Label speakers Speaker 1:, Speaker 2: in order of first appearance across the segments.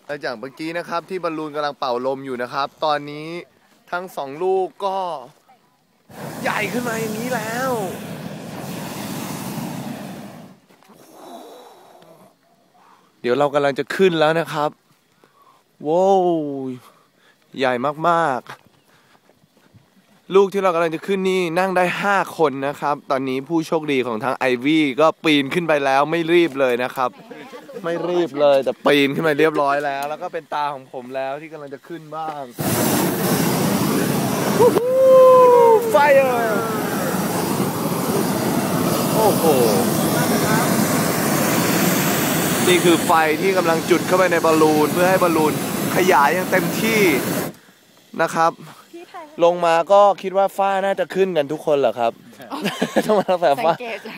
Speaker 1: และจากเมื่อกี้นะครับที่บอลลูนกำลังเป่าลมอยู่นะครับตอนนี้ทั้งสองลูกก็ใหญ่ขึ้นมาอย่างนี้แล้วเดี๋ยวเรากำลังจะขึ้นแล้วนะครับว้าวใหญ่มากๆลูกที่เรากำลังจะขึ้นนี่นั่งได้5คนนะครับตอนนี้ผู้โชคดีของทั้งไอวี่ก็ปีนขึ้นไปแล้วไม่รีบเลยนะครับไม่รีบเลยแต่ปีนขึ้นมาเรียบร้อยแล้วแล้วก็เป็นตาของผมแล้วที่กำลังจะขึ้นบ้างไฟโอ้โหนี่คือไฟที่กำลังจุดเข้าไปในบอลลูนเพื่อให้บอลลูนขยายอย่างเต็มที่นะครับลงมาก็คิดว่าฝ้าน่าจะขึ้นกันทุกคนเหรอครับต้องมาแบบฝ้า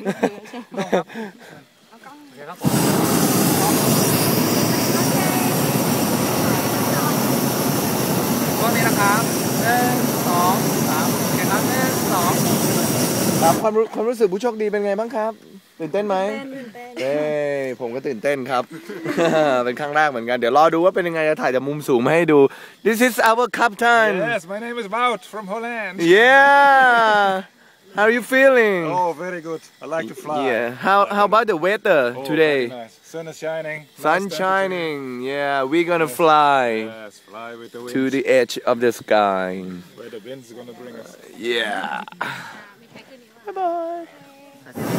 Speaker 2: ตอนนี้นะครับ1 2 3เห็นแล้ว1 2
Speaker 1: ครับความรู้สึกผู้โชคดีเป็นไงบ้างครับตื่นเต้นไหมเอ้ผมก็ตื่นเต้นครับ เป็นครั้งแรกเหมือนกันเดี๋ยวรอดูว่าเป็นยังไงจะถ่ายจากมุมสูงมาให้ดู This is our captain
Speaker 3: Yes, my name is Wout from Holland.
Speaker 1: Yeah How are you feeling
Speaker 3: Oh, very good. I like to fly.
Speaker 1: Yeah How about the weather
Speaker 3: Oh,
Speaker 1: today
Speaker 3: very nice. Sun is shining.
Speaker 1: Sun
Speaker 3: Nice
Speaker 1: shining Yeah we're gonna fly
Speaker 3: Yes, fly with the wind.
Speaker 1: to the edge of the sky
Speaker 3: Where the wind's gonna bring us.
Speaker 1: Yeah Bye bye